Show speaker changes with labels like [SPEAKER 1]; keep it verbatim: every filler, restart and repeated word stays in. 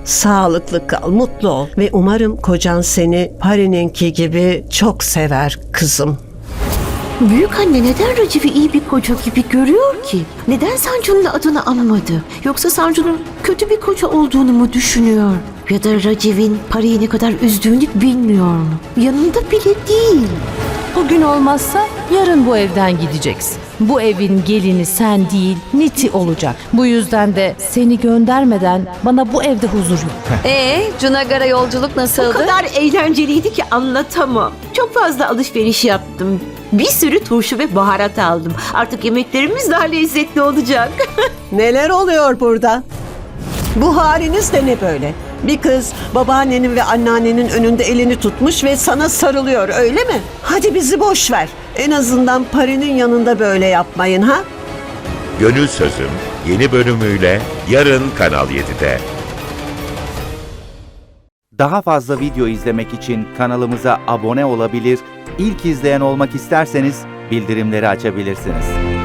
[SPEAKER 1] Sağlıklı kal, mutlu ol ve umarım kocan seni Pari'ninki gibi çok sever kızım.
[SPEAKER 2] Büyük anne neden Raciv'i iyi bir koca gibi görüyor ki? Neden Sancu'nun adını anmadı? Yoksa Sancu'nun kötü bir koca olduğunu mu düşünüyor? Ya da Raciv'in Pari'yi ne kadar üzdüğünü bilmiyor mu? Yanında bile değil.
[SPEAKER 3] Bugün olmazsa yarın bu evden gideceksin. Bu evin gelini sen değil, Niti olacak. Bu yüzden de seni göndermeden bana bu evde huzur yok.
[SPEAKER 4] Ee, Cunagara yolculuk
[SPEAKER 2] O
[SPEAKER 4] nasıldı?
[SPEAKER 2] kadar eğlenceliydi ki anlatamam. Çok fazla alışveriş yaptım. Bir sürü turşu ve baharat aldım. Artık yemeklerimiz daha lezzetli olacak.
[SPEAKER 1] Neler oluyor burada? Bu haliniz de ne böyle? Bir kız babaannenin ve anneannenin önünde elini tutmuş ve sana sarılıyor, öyle mi? Hadi bizi boş ver. En azından Pari'nin yanında böyle yapmayın ha?
[SPEAKER 5] Gönül Sözüm yeni bölümüyle yarın Kanal yedide.
[SPEAKER 6] Daha fazla video izlemek için kanalımıza abone olabilir, ilk izleyen olmak isterseniz bildirimleri açabilirsiniz.